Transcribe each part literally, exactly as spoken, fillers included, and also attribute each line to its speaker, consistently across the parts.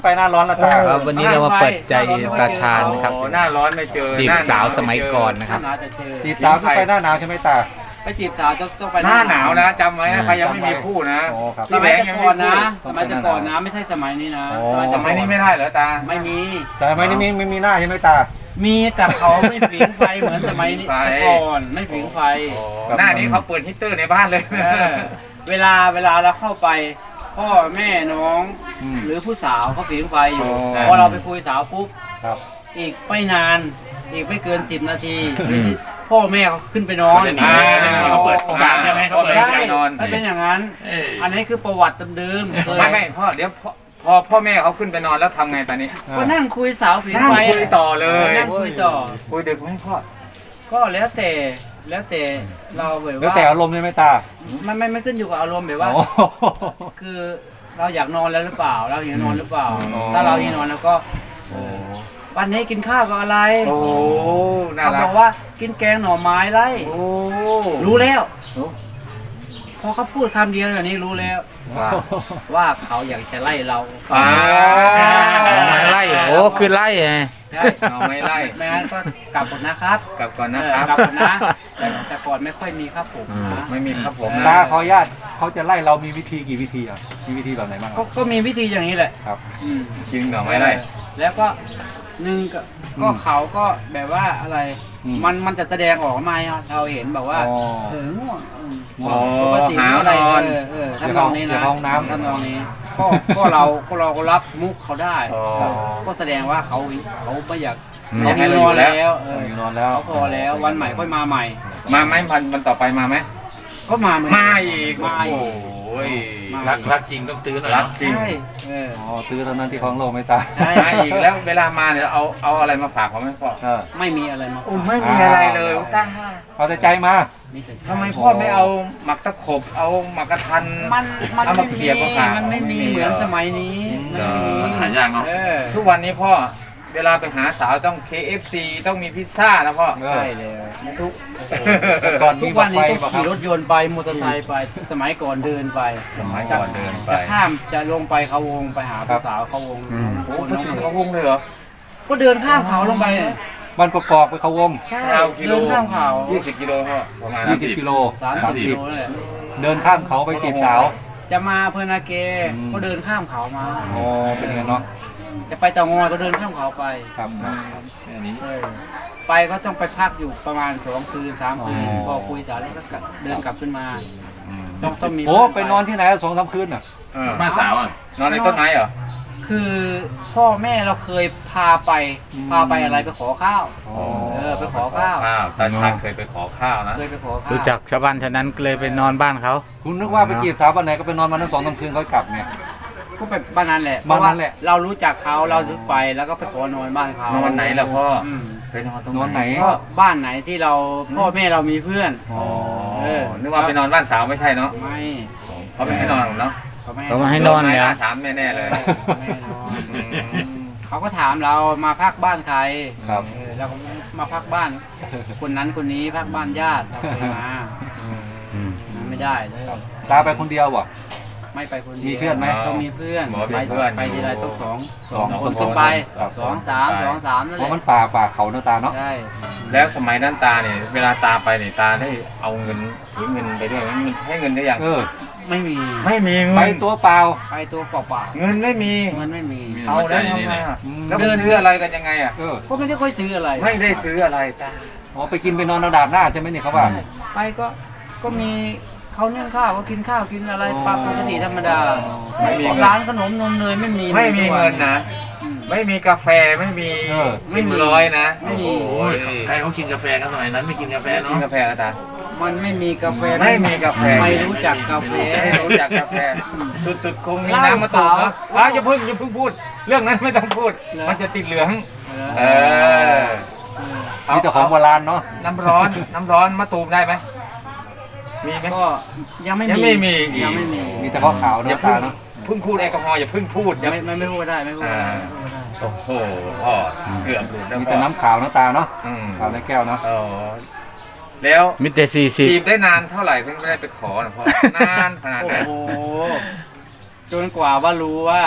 Speaker 1: ไปหน้าร้อนละตา
Speaker 2: ครับวันนี้เรามาเปิดใจตาชาญนะครับ
Speaker 3: โอ้หน้าร้อนไม่เจอ
Speaker 2: จีบ
Speaker 3: หน้
Speaker 2: สาว
Speaker 3: หน
Speaker 2: สมัยก่อนนะครับ
Speaker 4: หน้าจะเจอ
Speaker 1: จีบสาวก็ไปหน้าหนาวใช่ไหมตา
Speaker 4: ไปจีบสาวต้องต้องไป
Speaker 3: หน้าหนาวนะจำไว้นะใครยังไม่มีคู่นะ
Speaker 1: อ๋อครับ
Speaker 4: สมัยแต่ก่อนนะ
Speaker 1: ต้
Speaker 4: ส
Speaker 1: องไป
Speaker 4: มัยแต่ก่อน
Speaker 1: หน้าหนาว
Speaker 4: นะไม่ใช่สมัยนี้นะ
Speaker 1: อ๋อ
Speaker 3: สมัยนี้ไม่ได้เหรอตา
Speaker 4: ไม่มี
Speaker 1: แต่ไม่ได้มีไม่มีหน้าใช่ไหมตา
Speaker 4: มีแต่เขาไม่ผิงไฟเหมือนสมัยนี้
Speaker 3: ไฟ
Speaker 4: แต่ก่อนไม่ผิงไฟ
Speaker 3: หน้านี้เขาเปิดฮีตเตอร์ในบ้านเลย
Speaker 4: เออเวลาเวลาเราเข้าไปพ่อแม่น้อง
Speaker 1: อืม
Speaker 4: หรือผู้สาวเขาผิงไฟอยู่
Speaker 1: อ๋อ
Speaker 4: พอเราไปคุยสาวปุ๊บ
Speaker 1: ครับ
Speaker 4: อีกไม่นานอีกไม่เกินสิบนาทีพ่อแม่เขาขึ้นไปนอน
Speaker 3: อ่า
Speaker 5: เขาเปิดโอกาสใช่ไหมเขาเปิด
Speaker 4: ใช่
Speaker 3: ให้นอน
Speaker 4: ถ้าเป็นอย่างนั้น อันนี้คือประวัติเดิมๆเคย
Speaker 3: ไม่ไม่พ่อเดี๋ยวพ่อพอพ่อแม่เขาขึ้นไปนอนแล้วทำไงตอนนี้
Speaker 4: ก็นั่งคุยสาวผิง
Speaker 3: นั่ง
Speaker 4: ไฟ
Speaker 3: คุยต่อเลย
Speaker 4: นั่งคุยต่อ
Speaker 3: คุยดึกไหมพ่อ
Speaker 4: ก็แล้วแต่แล้วแต่เราแบบ
Speaker 1: แล้ว
Speaker 4: ว่า
Speaker 1: แต่อารมณ์ใช่ไหมตา
Speaker 4: มันไม่ไม่ขึ้นอยู่กับอารมณ์แบบว่า
Speaker 1: โอ้
Speaker 4: คือเราอยากนอนแล้วหรือเปล่า เราอยากนอนหรือเปล่า
Speaker 1: อ๋อ
Speaker 4: ถ้าเราอยากนอนแล้วก็วันนี้กินข้าวกับอะไร
Speaker 3: โอ้น่า
Speaker 4: เขา
Speaker 3: รับ ก
Speaker 4: อกว่ากินแกงหน่อไม้ไร
Speaker 3: โอ้
Speaker 4: รู้แล้ว
Speaker 3: โอ้
Speaker 4: พอเขาพูดคำเดียวแบบนี้รู้แล้ว
Speaker 3: ว่า
Speaker 4: ว่าเขาอยากจะไล่เรา
Speaker 3: อ่า
Speaker 2: ไม่ไล่โอ้คือไล่ไง
Speaker 4: ใช่
Speaker 3: เอาไม่ไล่
Speaker 4: ไม่งั้นก็กลับก่อนนะครับ
Speaker 3: กลับก่อนนะ
Speaker 4: เออ
Speaker 3: ครับ
Speaker 4: กลับก่อนนะแต่แต่ก่อนไม่ค่อยมีครับผมนะ
Speaker 3: ไม่มีครับผม
Speaker 1: ตาขออนุญาตเขาจะไล่เรามีวิธีกี่วิธีอ่ะมีวิธีแบบไหนบ้าง
Speaker 4: ก็ก็มีวิธีอย่างนี้แหละ
Speaker 1: ครับ
Speaker 4: อืม
Speaker 3: จริงเหรอไม่ไล่
Speaker 4: แล้วก็หนึ่งก็ก็เขาก็แบบว่าอะไร
Speaker 1: อืม
Speaker 4: มันมันจะแสดงออกมาให้เราเห็นแบบว่า
Speaker 1: อ๋อ
Speaker 4: เออง่วงอืม
Speaker 3: อ๋อ
Speaker 4: ปกติ
Speaker 3: หา
Speaker 4: อะไร
Speaker 3: นอน
Speaker 4: เออเออทำนองนี้
Speaker 1: เดี๋
Speaker 4: นะ
Speaker 1: ยวเข้าห้องน้ำ
Speaker 4: ทำนองนี้ก็ก็เราก็เราก็รับมุกเขาได้
Speaker 3: อ๋อ
Speaker 4: ก็แสดงว่าเขาเขาไม่อยาก
Speaker 2: อืม
Speaker 4: เขา
Speaker 3: ให้
Speaker 4: หิว
Speaker 3: เรา
Speaker 4: น
Speaker 3: อยู่
Speaker 4: อน
Speaker 3: แล้ว
Speaker 4: แล้วเอ
Speaker 1: เออ
Speaker 4: อ
Speaker 1: อยู่นอนแล้ว
Speaker 4: เขาพอแล้ววันใหม่ค่อยมาใหม่
Speaker 3: มาไหมวันวันต่อไปมาไหม
Speaker 4: ก็มาเหมือน
Speaker 3: มาอีก
Speaker 4: มาอีก
Speaker 3: โอ้ย
Speaker 4: มา
Speaker 5: รักรักจริงต้องตื้อหน่อย
Speaker 3: รัก
Speaker 5: เนาะ
Speaker 3: จริง
Speaker 4: ใช่เออ
Speaker 1: อ๋อตื้อเท่านั้นที่คลองโลกไหม่ตา
Speaker 4: ใช่
Speaker 3: มาอีกแล้วเวลามาเนี่ยเอาเอาอะไรมาฝากเขาไหมพ่อ
Speaker 1: เออ
Speaker 4: ไม่มีอะไรมา
Speaker 3: อุ้ไม่มีอะไรเลยตา
Speaker 1: เอาแต่ใจมา
Speaker 4: มีแต่
Speaker 3: ทำไมพ่อไม่เอาหมักตะขบเอาหมักกระทัน
Speaker 4: มันมัน
Speaker 3: เอามา
Speaker 4: ไม่
Speaker 3: เขี่
Speaker 4: มี
Speaker 3: ยก็ขาด
Speaker 4: มันไม่มีเหมือนสมัยนี้ไม่มี
Speaker 5: หายากเนาะ
Speaker 4: เออ
Speaker 3: ทุกวันนี้พ่อเวลาไปหาสาวต้อง เค เอฟ ซี ต้องมีพิซซ่านะพ่อ
Speaker 1: เออ
Speaker 4: ใช่เลยทุก
Speaker 1: แต่ก่อน
Speaker 4: ทุ
Speaker 1: มี
Speaker 4: ก
Speaker 1: บ
Speaker 4: วั
Speaker 1: อน กไฟ
Speaker 4: นี้ต้อง
Speaker 1: บอกค
Speaker 4: ขี่ร
Speaker 1: รับ
Speaker 4: ถยนต์ไปมอเตอร์ไซค์ไปสมัยก่อนเดินไป
Speaker 3: สมัยก่อนเดินไป
Speaker 4: จะข้ามจะลงไปเขาวงไปหา
Speaker 1: ครั
Speaker 4: ผู้
Speaker 1: บ
Speaker 4: สาวเขาวง
Speaker 2: อืม
Speaker 3: โอ้ไปถึงเขาวงเลยเหรอ
Speaker 4: ก็เดินข้ามเขาลงไป
Speaker 1: บ้านกอกๆไปเขาวง
Speaker 4: ใช่
Speaker 3: เก้ากิโล
Speaker 4: เดินข้ามเขา
Speaker 3: ยี่สิบกิโลพ่อประมาณ
Speaker 1: ยี่สิบกิโล
Speaker 4: สามสิบกิโลนั่นแหละ
Speaker 1: เดินข้ามเขาไปจีบสาว
Speaker 4: จะมาเพอร์นาเก
Speaker 1: อืม
Speaker 4: ก็เดินข้ามเขามา
Speaker 1: อ๋อเป็นอย่างนั้นเนาะ
Speaker 4: จะไปเตางอยก็เดินข้ามเขาไป
Speaker 1: ครับ
Speaker 5: แค่นี้
Speaker 4: เออไปก็ต้องไปพักอยู่ประมาณสองคืนสามคืน
Speaker 1: อ๋อ
Speaker 4: พอคุยสาวแล้วก็กลับเดินกลับขึ้นมา ต้องต้องมี
Speaker 1: โอ้ไปนอนที่ไหนสองสามคืนอ่ะ
Speaker 3: เออ
Speaker 5: บ้านสาวอ่ะ
Speaker 3: นอนในต้นไม้เหรอ
Speaker 4: คือพ่อแม่เราเคยพาไป
Speaker 1: อืม
Speaker 4: พาไปอะไรไปขอข้าว
Speaker 1: อ๋อ
Speaker 4: เออไปขอข้าว
Speaker 3: ตาชาญเคยไปขอข้าวนะ
Speaker 4: เคยไปขอข้าว
Speaker 2: รู้จักชาวบ้านแถวนั้นก็เลยไปนอนบ้านเขา
Speaker 1: คุณนึกว่าไปจีบสาววันไหนก็ไปนอนวันนั้นสองสามคืนเขากลับไง
Speaker 4: ก็ไปบ้านนั้นแหละ
Speaker 1: บ้านนั้นแหละ
Speaker 4: เพราะว่าเรารู้จักเขาเราถึงไปแล้วก็ไปขอนอนบ้านเขา
Speaker 3: นอนไหนล่ะพ่อ
Speaker 4: อืม
Speaker 3: ไปนอนตรง
Speaker 1: นอนไหน
Speaker 4: ก็บ้านไหนที่เราพ่อแม่เรามีเพื่อน
Speaker 1: อ๋อ
Speaker 4: เออ
Speaker 3: นึกว่าไปนอนบ้านสาวไม่ใช่เนาะ
Speaker 4: ไม่
Speaker 3: เขาไม่ให้นอนหรอกเนาะ
Speaker 4: เขาไม่
Speaker 2: เขามาให้นอนเลย
Speaker 3: โด
Speaker 2: เหร
Speaker 3: ไม้
Speaker 2: อ
Speaker 3: อาสามแน่ๆเลย
Speaker 4: ไม่ให้นอนเขาก็ถามเรามาพักบ้านใคร
Speaker 1: ครับ
Speaker 4: เออเราก็มาพักบ้าน คนนั้นคนนี้พักบ้านญาติเราเคยมา
Speaker 2: อืม
Speaker 4: มาไม่ได้เลย
Speaker 1: ตาไปคนเดียวบ่
Speaker 4: ไม่ไปคนเดียว
Speaker 1: มีเพื่อนไหม
Speaker 4: ต้องมีเพื่อน
Speaker 3: หมอ
Speaker 4: ไป
Speaker 3: เป็นเพื่อน
Speaker 4: ไปทีไรต้องสอง
Speaker 1: สอง
Speaker 4: คนขึ้นไป
Speaker 1: ครับ
Speaker 4: สองสามสองสามนั่น
Speaker 1: เพ
Speaker 4: แหละ
Speaker 1: ราะมันป่าป่าเขาเนาะตาเนาะ
Speaker 4: ใช่
Speaker 3: แล้วสมัยนั้นตาเนี่ยเวลาตาไปเนี่ยตาได้เอาเงินถือเงินไปด้วยไหมมันให้เงินได้ยัง
Speaker 1: เออ
Speaker 4: ไม่มี
Speaker 3: ไม่มีเงิน
Speaker 1: ไปตัวเปล่า
Speaker 4: ไปตัวเปล่า
Speaker 3: เงินไม่มี
Speaker 4: ๆเงินไม่มี
Speaker 3: เอาแล้วทำไงอ่ะ
Speaker 1: อืม
Speaker 3: แล้วไปซื้ออะไรกันยังไงอ่ะ
Speaker 1: เออ
Speaker 4: ก็ไม่ได้ค่อยซื้ออะไร
Speaker 3: ไม่ได้ซื้ออะไรตา
Speaker 1: อ๋อไปกินไปนอนเอาดาดหน้าใช่ไหมเนี่ยเขาว่า
Speaker 4: ไปก็ก็มีเขาเนื่องข้าวก็กินข้าวกินอะไรปกติธรรมดา
Speaker 3: ไม่มีเงิน
Speaker 4: ร้านขนมนมเนยไม่มี
Speaker 3: ไม่มีเงินนะ
Speaker 4: อืม
Speaker 3: ไม่มีกาแฟไม่มี
Speaker 1: เออ
Speaker 4: ไม่มี
Speaker 3: เงินร้อยนะ
Speaker 4: ไม่มี
Speaker 3: โอ้ย
Speaker 5: ใครเขากินกาแฟกันสมัยนั้นไม่กินกาแฟ
Speaker 3: กิ
Speaker 5: เนาะ
Speaker 3: นกาแฟอะตา
Speaker 4: มันไม่มีกาแฟ
Speaker 3: ไม่มีกาแฟ
Speaker 4: ไม่รู้จักกาแฟ
Speaker 3: ไม่รู้จักกาแฟสุดๆคงมีน้ำมาตูมเนาะอ้าวอย่าเพิ่งอย่าเพิ่งพูด เรื่องนั้นไม่ต้องพูด มันจะติดเหลือง เออ
Speaker 1: มีแต่ของโบราณเนาะ
Speaker 3: น้ำร้อนน้ำร้อนมาตูมได้ไหมมีไหม
Speaker 4: ก็ยังไม่
Speaker 3: ยัง
Speaker 4: มี
Speaker 3: ไม่มี
Speaker 4: ยังไม่มี
Speaker 1: มีแต่ข้าวขาว
Speaker 3: อย่า
Speaker 1: เนาะ
Speaker 3: เพิ่
Speaker 1: ตาง เนาะ
Speaker 3: เพิ่งพูดแอลกอฮอล์อย่าเพิ่งพูดอย่า
Speaker 4: ไม่ไม่ไม่พูดได้ไม่พูดได้ไม่พูดได้
Speaker 3: โอ้โหพ่อเกือบหลุดแล้ว
Speaker 1: มี
Speaker 3: พ่
Speaker 1: แต่
Speaker 3: อ
Speaker 1: น้ำขาวเนาะตาเนาะ
Speaker 3: อืม
Speaker 1: ขาวในแก้วเนาะ
Speaker 3: อ๋อแล้ว
Speaker 2: มิเตสี่สิบ
Speaker 3: จีบได้นานเท่าไหร่ถึงได้ไปขอนะพ่อนานขนาด
Speaker 4: โอ้
Speaker 3: นั้น
Speaker 4: โหจนกว่าว่ารู้ว่า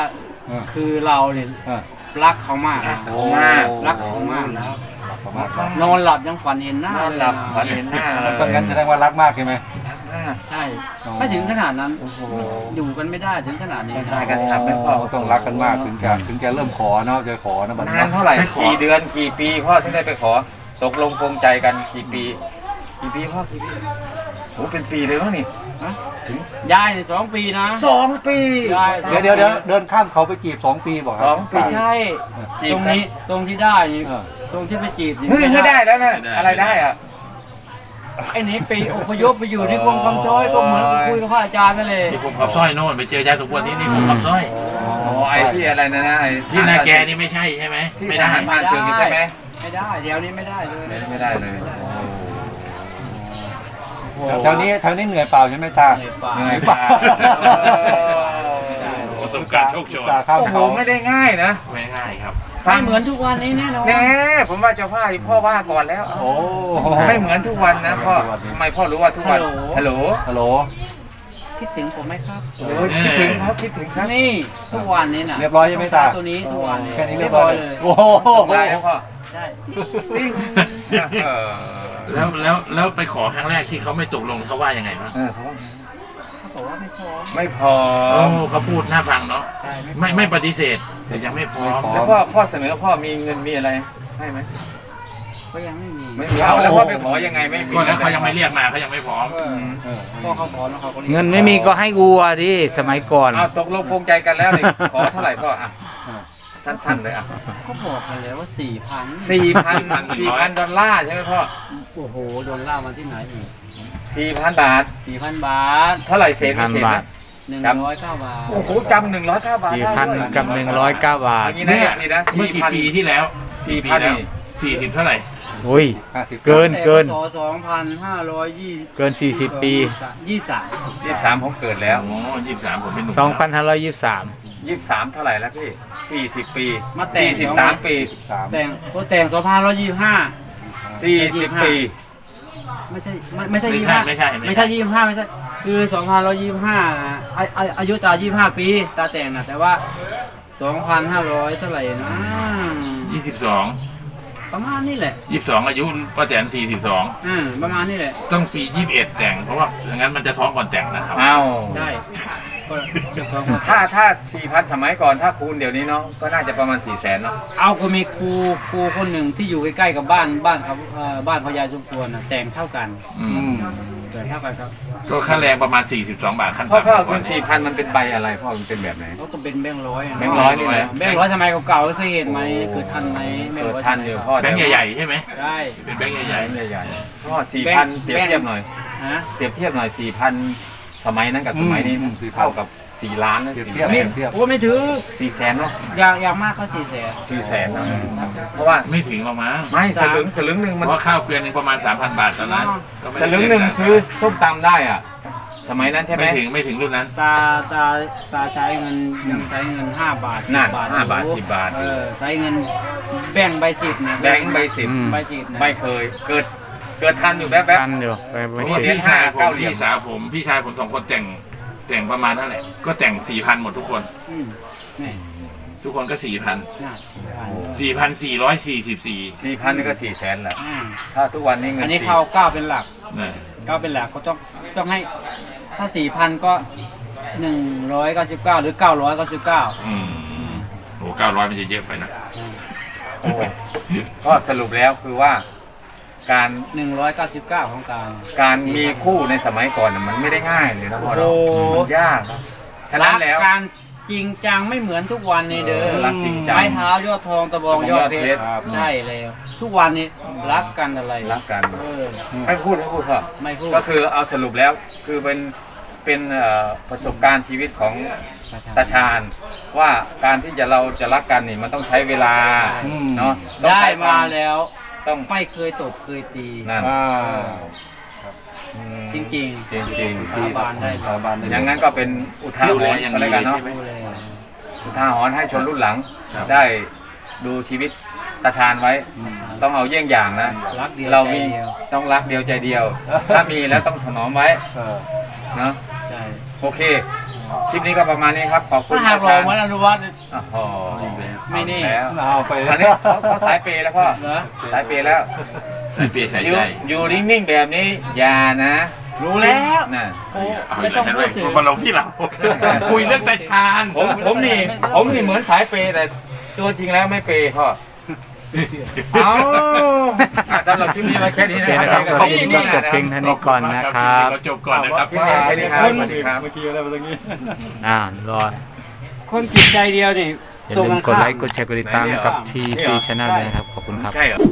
Speaker 1: เออ
Speaker 4: คือเราเนี่ย
Speaker 1: เออ
Speaker 4: รักเขามาก
Speaker 3: รักเขามาก
Speaker 4: รักเขามากนะ
Speaker 1: ประมาณนั้น
Speaker 4: นอนหลับยังฝันเห็นหน้าน
Speaker 3: อน
Speaker 4: เลย
Speaker 3: หลับ
Speaker 4: นะ
Speaker 3: ฝันเห็นหน้าเลย
Speaker 1: ก็งั้นแสดงว่ารักมากใช่ไหม
Speaker 3: รักมาก
Speaker 4: ใช่
Speaker 1: อ๋อ
Speaker 4: ไม่ถึงขนาดนั้น
Speaker 3: โอ้โห
Speaker 4: อยู่กันไม่ได้ถึงขนาดนี้
Speaker 3: ใช่กระสับไม่พอ
Speaker 1: ต้องรักกันมากถึงจะถึงจะเริ่มขอเนาะจะขอนะบัด
Speaker 3: นานเท่าไหร่กี่เดือนกี่ปีพ่อที่ได้ไปขอตกลงปรงใจกันกี่ปีกี่ปีพ่อกี่ปีโอ้เป็นปีเลยมั้งนี่
Speaker 4: ฮะยายเนี่ยสองปีนะ
Speaker 3: สองปี
Speaker 4: ยาย
Speaker 1: เดี๋ยวเดี๋ยวเดี๋ยวเดินข้ามเขาไปจีบสองปีบอกครั
Speaker 3: สองปี
Speaker 4: ไม่ใช่
Speaker 3: จี
Speaker 4: ต
Speaker 3: บ
Speaker 4: รง
Speaker 3: กัน
Speaker 4: นี้ตรงที่ได้นี่
Speaker 1: เออ
Speaker 4: ตรงที่ไปจีบนี่
Speaker 3: เฮ้ยไม่ได้แล้วนะอะไรได้อะ
Speaker 4: ไอ้นี่ไปอพยพไปอยู่ที่กรมคำช้อยก็เหมือนกับคุยกับพระอาจารย์นั่นเลย
Speaker 5: นี่ผมขับสร้อยโน่นไปเจอยายสมควรที่นี่ผมขับสร้อย
Speaker 3: โอ้ไอ้ที่อะไรนะนะไอ้
Speaker 5: ที่นาแกนี่ไม่ใช่ใช่ไหม
Speaker 3: ที่
Speaker 5: ไม่
Speaker 3: ท
Speaker 5: ได้
Speaker 3: หารผ่านศึกนี่ใช่ไหม
Speaker 4: ไม่ได้เดี๋ยวนี้ไม่ได้เลย
Speaker 3: ไม่ได้เลย
Speaker 1: แถวนี้แถวนี้เหนื่อยเปล่าใช่ไหมตา
Speaker 4: เหนื่อยเปล่า
Speaker 3: เหนื่อยเปล่า
Speaker 5: ประสบการณ์โชคโชน
Speaker 1: ตาข้าม
Speaker 3: โอ้โห
Speaker 1: เขา
Speaker 3: ไม่ได้ง่ายนะ
Speaker 5: ไม่ง่ายครับ
Speaker 4: ไม่เหมือนทุกวันนี้แน่นอน
Speaker 3: แน่ผมว่าเจ้าพ่อพ่อว่าก่อนแล้ว
Speaker 1: โอ้
Speaker 3: ไม่เหมือนทุกวันนะพ่อทำไมพ่อรู้ว่าทุกวันฮัลโหล
Speaker 1: ฮัลโหล
Speaker 4: คิดถึงผมไหมครับ
Speaker 3: โอ้ยคิดถึงครับคิดถึงครับ
Speaker 4: นี่ทุกวันนี้น่ะ
Speaker 1: เรียบร้อยใช่ไหมตา
Speaker 4: ตัวนี้ทุกวันนี้
Speaker 1: แค่นี้เรียบร้อย
Speaker 4: เลย
Speaker 1: โอ้โห
Speaker 3: สบายแล้วพ่อ
Speaker 4: ใช่
Speaker 3: ติ้งเออ
Speaker 5: แล้วแล้วแล้วไปขอครั้งแรกที่เขาไม่ตกลงเขาว่ายังไงบ้าง
Speaker 3: เออเขาว่า
Speaker 4: เขาบอกว่าไม่พร้อม
Speaker 3: ไม่พอ
Speaker 5: โอ้เขาพูดน่าฟังเนาะ
Speaker 4: ใช่
Speaker 5: ไม่ไม่ปฏิเสธแต่ยังไม่พร้อม
Speaker 3: แล้วพ่อพ่อเสนอพ่อมีเงินมีอะไรให้ไหม
Speaker 4: ก็ยังไม่มี
Speaker 3: ไม่มีเอาแล้วพ่อไปขอยังไงไม่มี
Speaker 5: ก็แล้วเขายังไม่เรียกมาเขายังไม่พร้อม
Speaker 4: เออ
Speaker 1: เออ
Speaker 4: พ่อเขาพร้อมแล้วเขาก็รียก
Speaker 2: เงินไม่มีก็ให้วัวดิสมัยก่อน
Speaker 3: เอาตกลงปรงใจกันแล้วนี่ขอเท่าไหร่พ่ออ่ะสั้นๆเลยอ่ะ
Speaker 4: ก็บอกกันแล้วว่าสี่พัน
Speaker 3: สี่พันสี่พันดอลลาร์ใช่ไหมพ่อ
Speaker 4: โอ้โหโดนล่ามาที่ไหนอีก
Speaker 3: สี่พันบาท
Speaker 4: สี่พันบาท
Speaker 3: เท่าไหร่เศษไม่เศษ
Speaker 2: บา
Speaker 3: นะ
Speaker 2: ท
Speaker 4: หนึ่ง
Speaker 3: จำ
Speaker 4: ร้อยเก้าบาท
Speaker 3: โอ้โหจำหนึ่งร้อยเก้าบาท
Speaker 2: สี่
Speaker 3: ได้
Speaker 2: พัน
Speaker 3: ด้วย
Speaker 2: กับหนึ่งร้อยเก้าบาท
Speaker 3: อย่างนี้นะอย่างนี้นะ
Speaker 5: เมื่อ
Speaker 3: สี่
Speaker 5: กี่
Speaker 3: พัน
Speaker 5: ปีที่แล้ว
Speaker 3: สี่
Speaker 5: ปี
Speaker 3: พัน
Speaker 5: แล้ว
Speaker 3: นี่
Speaker 5: สี่สิบเท่าไหร่
Speaker 2: อุ้ย
Speaker 1: ห้าสิบ
Speaker 2: เกินเกิน
Speaker 4: แต่พศสองพันห้าร้อยยี่สิบ
Speaker 2: เกินสี่สิบปี
Speaker 4: ยี่สิบสาม
Speaker 3: ยี่สิบสามผมเกิดแล้ว
Speaker 5: โอ้ยี่สิบสามผมเป็นหนุ่ม
Speaker 2: สองพันห้าร้อยยี่สิบสาม
Speaker 3: ยี่สิบสามเท่าไหร่แล้วพี่สี่สิบปี
Speaker 4: มาแต่ง
Speaker 3: สี่สิบสามปี
Speaker 1: สาม
Speaker 4: แต่งก็แต่งสองพันร้อยยี่สิบห้า
Speaker 3: สี่สิบปี
Speaker 4: ไม่ใช่ไม่ไม่ใช่
Speaker 5: ไม่
Speaker 4: ยี่สิบ
Speaker 5: ใช่
Speaker 4: ห้า
Speaker 5: ไม่ใช่
Speaker 4: ไม่ใช่ยี่สิบห้าไม่ใช่คือสองพันร้อยยี่สิบห้าอาอาอายุตายี่สิบห้าปีตาแต่งนะแต่ว่าสองพันห้าร้อยเท่าไหร่นะ
Speaker 5: ยี่สิบสอง
Speaker 4: ประมาณนี้แหละ
Speaker 5: ยี่สิบสองอายุป้าแตนสี่สิบสอง
Speaker 4: อืมประมาณนี้แหละ
Speaker 5: ต้องปียี่สิบเอ็ดแต่งเพราะว่าอย่างนั้นมันจะท้องก่อนแต่งนะครับ
Speaker 3: เอา
Speaker 4: ใช่ก็เดี๋ยวก่อน
Speaker 3: ถ้าถ้าสี่พันสมัยก่อนถ้าคูณเดี๋ยวนี้เนาะก็น่าจะประมาณสี่แสนเนาะ
Speaker 4: เอาก็มีครูครูคนหนึ่งที่อยู่ใกล้ๆกับบ้านบ้านเขาเอ่อบ้านพญาสมควรนะแต่งเท่ากัน
Speaker 5: อื
Speaker 1: อื
Speaker 5: ม
Speaker 1: ม
Speaker 4: เกิดเท่ากันครับ
Speaker 5: ก็ค่าแรงประมาณสี่สิบสองบาทขั้น
Speaker 3: พ่อ
Speaker 5: ต่ำ
Speaker 3: พ่อ
Speaker 5: ก่
Speaker 3: คุ
Speaker 5: อน
Speaker 3: ณสี่พันมันเป็นใบอะไรพ่อมันเป็นแบบไหน
Speaker 4: เขาก็เป็นแบงค์ร้อยะ
Speaker 3: แบงค์ร้อยนี่นะ
Speaker 4: แบงค์ร้อยสมัยเก่าๆเคยเห็นไหมเกิดทันไหมแบง
Speaker 3: เกิ
Speaker 4: ค์
Speaker 3: ด
Speaker 4: ร้อย
Speaker 3: ทันอยู่พ่อ
Speaker 5: แบงค์ใหญ่ๆใช่ไหม
Speaker 4: ใช่
Speaker 5: เป็นแบงค์
Speaker 3: ให
Speaker 5: ให
Speaker 3: ญ่
Speaker 5: ญ่
Speaker 3: ใหญ่ๆพ่อสี่พันเปรียบเทียบหน่อย
Speaker 4: ฮะ
Speaker 3: เปรียบเทียบหน่อยสี่พันสมัยนั้นกับสมัยนี้
Speaker 1: อืมอืม
Speaker 3: เท่ากับสี่ล้านนะ
Speaker 1: เปรียบ
Speaker 3: สี่
Speaker 1: เทียบ
Speaker 3: แส
Speaker 1: เปรี
Speaker 3: น
Speaker 1: ยบเทียบ
Speaker 4: โอ้ไม่ถึง
Speaker 3: สี่แสนเนาะ
Speaker 4: อย่างอย่างมากก็สี่แสน
Speaker 3: สี่แสนเนาะเพราะว่า
Speaker 5: ๆไม่ถึงหรอกมั้ง
Speaker 3: ไม่สลึงสลึงหนึ่ง
Speaker 5: เพ
Speaker 3: มัน
Speaker 5: ราะว่าข้าวเกลือนหนึงประมาณสามพันบาทตอนนั้นก็ไม่
Speaker 3: ส
Speaker 5: ได้
Speaker 3: ลึงหนึ่งซื้อส้มตำได้อ่ะ สมัยนั้นใช่ไหม
Speaker 5: ไม่ถึงไม่ถึงรุ่นนั้น
Speaker 4: ตาตาตาใช้เงินยังใช้เงินห้าบาท
Speaker 3: นั่น
Speaker 4: สิ
Speaker 3: ห้าบาท
Speaker 4: อยู่
Speaker 3: สิบบาท
Speaker 4: เออใช้เงินแบ่งใบสิบนะ
Speaker 3: แบงค์ใบสิบ
Speaker 2: อืม
Speaker 4: ใบสิบนะ
Speaker 3: ไม่เคยเกิดเกิดทันอยู่แป๊บ
Speaker 2: กันอยู่ไป
Speaker 5: เพ
Speaker 2: ไม่
Speaker 5: ราะว่า
Speaker 2: เห็น
Speaker 5: พี่ชายผ
Speaker 3: เก้าม เหรียญ
Speaker 5: พี่สาวผมพี่ชายผมสองคนแต่งแต่งประมาณนั่นแหละก็แต่งสี่พันหมดทุกคน
Speaker 4: อืมนี่
Speaker 5: ทุกคนก็สี่พัน
Speaker 4: น่าสี่พัน
Speaker 5: สี่พันสี่ร้อยสี่สิบสี่
Speaker 3: ๆสี่พันนี่ก็สี่แสนแล้ว
Speaker 4: อ่า
Speaker 3: ถ้าทุกวันนี้เงิน
Speaker 4: อันนี้
Speaker 3: สี่
Speaker 4: เขาเก้าเป็นหลัก
Speaker 5: เนี่ย
Speaker 4: เก้าเป็นหลักก็ต้องต้องให้ถ้าสี่พันก็หนึ่งร้อยเก้าสิบเก้าหรือเก้าร้อยเก้าสิบเก้า
Speaker 5: อืมโอ้เก้าร้อยมันจะเยอะไปนะ
Speaker 3: โอ้ก็สรุปแล้วคือว่า การ
Speaker 4: หนึ่งร้อยเก้าสิบเก้าของการ
Speaker 3: การมีคู่ในสมัยก่อนน่ะมันไม่ได้ง่ายเลยนะพ่อเรา
Speaker 4: โอ้โห
Speaker 3: มันยากนะฉะ
Speaker 4: รั
Speaker 3: นั้น
Speaker 4: ก
Speaker 3: แล้ว
Speaker 4: การจริงจังไม่เหมือนทุกวันนี้เด้อ
Speaker 3: รักจริงจัง
Speaker 4: ไม้เท้ายอดทองตะบองยอดเพชร
Speaker 1: ครับ
Speaker 4: ใช่แล้วทุกวันนี้รักกันอะไร
Speaker 3: รักกัน
Speaker 4: เออ
Speaker 3: ไม่พูดไม่พูดเถอะ
Speaker 4: ไม่พูด
Speaker 3: ก็คือเอาสรุปแล้วคือเป็นเป็นเอ่อประสบการณ์ชีวิตของตาชาญว่าการที่จะเราจะรักกันนี่มันต้องใช้เวลา
Speaker 1: อืม
Speaker 3: เนาะต้อง
Speaker 4: ได้
Speaker 3: ใช้คว
Speaker 4: มาแล้ว
Speaker 3: ต้อง
Speaker 4: ไม่เคยตบเคยตี
Speaker 3: นั่น
Speaker 1: อ่า
Speaker 3: อืม
Speaker 4: จริง
Speaker 3: จริงจริง
Speaker 4: สาบานได้
Speaker 1: สาบานได้
Speaker 3: อย่างนั้นก็เป็นอุทาห
Speaker 5: ดูแล
Speaker 3: รณ์
Speaker 5: อย่าง
Speaker 3: ก็
Speaker 5: ดี
Speaker 3: แล้ว
Speaker 5: เล
Speaker 3: กัน
Speaker 5: ย
Speaker 3: เนาะ
Speaker 5: ใช่ไหม
Speaker 4: ดูเลย
Speaker 3: อุทาหรณ์ให้ชนรุ่นหลัง
Speaker 5: ครับ
Speaker 3: ได้ดูชีวิตตาชาญไว้ ต้องเอาเยี่ยงอย่างนะ
Speaker 4: รักเดียว
Speaker 3: เรา
Speaker 4: ใจ
Speaker 3: มี
Speaker 4: เดียว
Speaker 3: ต้องรักเดียวใจเดียว ถ้ามีแล้วต้องถนอมไว้
Speaker 1: เออ
Speaker 3: เนาะ
Speaker 4: ใช่
Speaker 3: โอเคคลิปนี้ก็ประมาณนี้ครับขอบคุณ
Speaker 4: ถ้าหากรอเหมือนอนุวัฒน์
Speaker 3: โอ้โห
Speaker 4: ไม่แน่
Speaker 3: แล้ว
Speaker 1: เอาไป
Speaker 3: อันนี้เขาเขาสายเปย์แล้วพ่อ
Speaker 4: เหรอ
Speaker 3: สายเปย์แล้ว
Speaker 5: ใส่เปียใส่
Speaker 3: อยู่
Speaker 5: ใจ
Speaker 3: อยู่นิ่งๆแบบนี้อย่านะ
Speaker 4: รู้แล้ว
Speaker 3: น่ะ
Speaker 4: โอ้
Speaker 5: เอา
Speaker 4: ไม่
Speaker 5: เล
Speaker 4: ต้อย ง
Speaker 5: เห็นไหม
Speaker 4: พูดถึง
Speaker 5: มาลงที่เรา คุยเรื่องตาชาญ
Speaker 3: ผมผมนี่ผมนี่เหมือนสายเปย์แต่ตัวจริงแล้วไม่เปย์พ่อเอาอ่ะสำหรับคลิปนี้มาแค่นี้
Speaker 2: โอ
Speaker 3: นะ
Speaker 2: เคนะครับขอบคุณต้องจบเพียงเท่านี้ก่อนนะครับ
Speaker 5: เราจบก่อนนะครับ
Speaker 3: คลิปนี้แค่นี้ครับสวัสดีครับ
Speaker 1: เมื่อกี้อะไรมาตรงนี้
Speaker 2: อ่า รอ
Speaker 4: คนจิตใจเดียวนี่
Speaker 2: อย่า
Speaker 4: ตรง
Speaker 2: ลื
Speaker 4: กั
Speaker 2: ม
Speaker 4: น
Speaker 2: กด
Speaker 4: ข้าม
Speaker 2: ไลค์ กดแชร์ กดติดตามให้กับ ที ซี Channel ด้วยนะครับ ขอบคุณครับ
Speaker 3: ใช่เหรอ